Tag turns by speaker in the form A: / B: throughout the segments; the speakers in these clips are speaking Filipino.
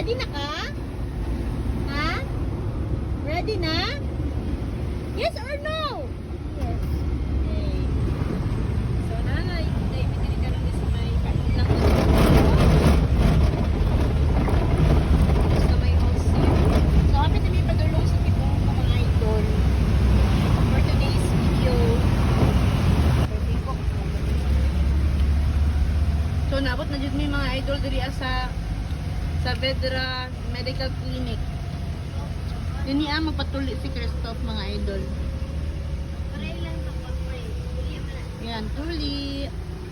A: Ready na ka? Ha? Ready na? Yes or no?
B: Yes.
A: Okay. So, nanay, naibigay ka lang sa may kain lang. Sa may house. So, kami na may padulong sa tipong mga idol. For today's video. So, naabot na dyan may mga idol diri sa Vedra Medical Clinic. Yun niya magpatuli si Christoph, mga idol.
B: Pray lang ito, pray. Pray mo na.
A: Yan, tuli.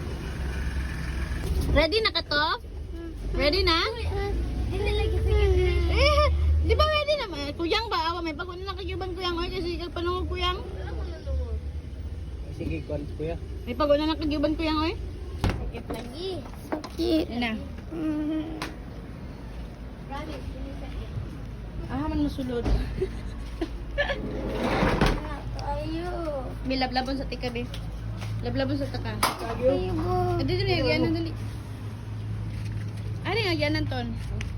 A: Ready na ka to? Ready na?
B: Hindi lagi sige.
A: Di ba ready na? Kuyang ba? Awa, may pag na kagyuban kuyang. Ay, kasi panungog kuyang.
B: Wala ko nalungod.
C: Sige, kwan kuya.
A: May pag na kagyuban kuyang, oy.
B: Sakit lagi.
A: Yan na.
B: Promise, hindi sakit.
A: Ah, man masulod.
B: Ayo.
A: May lablabon sa tika, be. Lablabon sa taka.
B: Ayo mo.
A: Dito na yung agyanan, dali. Ano yung agyanan, Ton?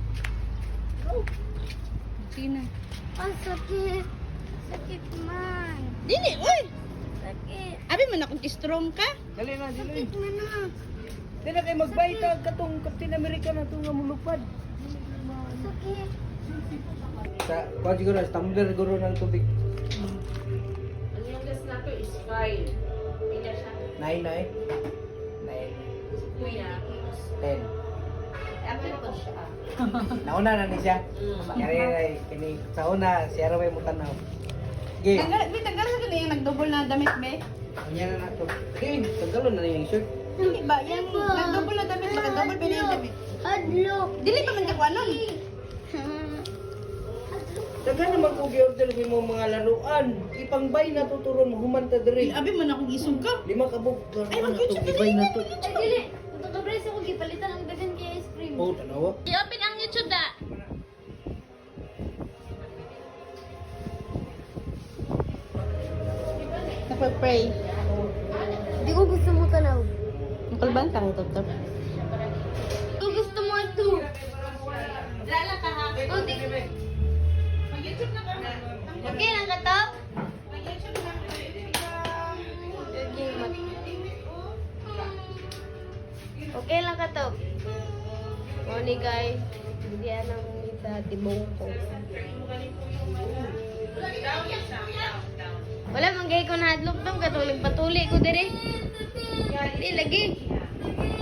A: Sige na.
B: Ang sakit. Sakit man.
A: Dili, uy!
B: Sakit.
A: Abi man akong strong ka.
C: Dali na, dali.
B: Sakit man na.
C: Dili na kayo magbayta katong Captain America na itong nga mulupad.
B: Sakit.
C: Sa, kwan siguro, sa tumbler siguro ng tubig.
A: Ang youngest na to is 5. Pila siya.
C: 9 na eh. 9,
A: Kuya.
C: 10.
A: Apple pa siya.
C: Nauna na ni siya. Kaya kini sa una, siya raway mo tanaw. Sige.
A: Tanggal sa kanina yung nag-double na damit, be.
C: Kanya na nato. Sige, tagalon na yung shirt.
A: Hindi ba? Yung nag-double na damit, baka double pa na yung damit.
B: Hadlok.
A: Dili pa man ka nun.
C: Daga naman kung gi-order mo mga laruan. Ipangbay na tuturon mo humanta diri.
A: Abi man akong isog ka.
C: 5 kabog.
A: Ay,
C: Ano na to,
A: mag-YouTube
C: gibay na to.
B: Ay, dili. Kung kabres ako, gipalitan ang dagan kay ice cream.
C: Oh, tanawa.
A: I-open ang YouTube da. Napag-pray.
B: Hindi ko gusto mo tanaw.
A: Nakalban ka ito, to.
B: Kung gusto mo ito.
A: Lala ka ha.
B: Oh, di.
A: Mag-YouTube na ka.
B: Okay lang ka to?
A: Mag-YouTube na.
B: Okay, okay lang ka to. Morning guys. Hindi anang isa tibong ko. Wala manggay ko na hadlok tong katong nagpatuli ko dire. Hindi lagi.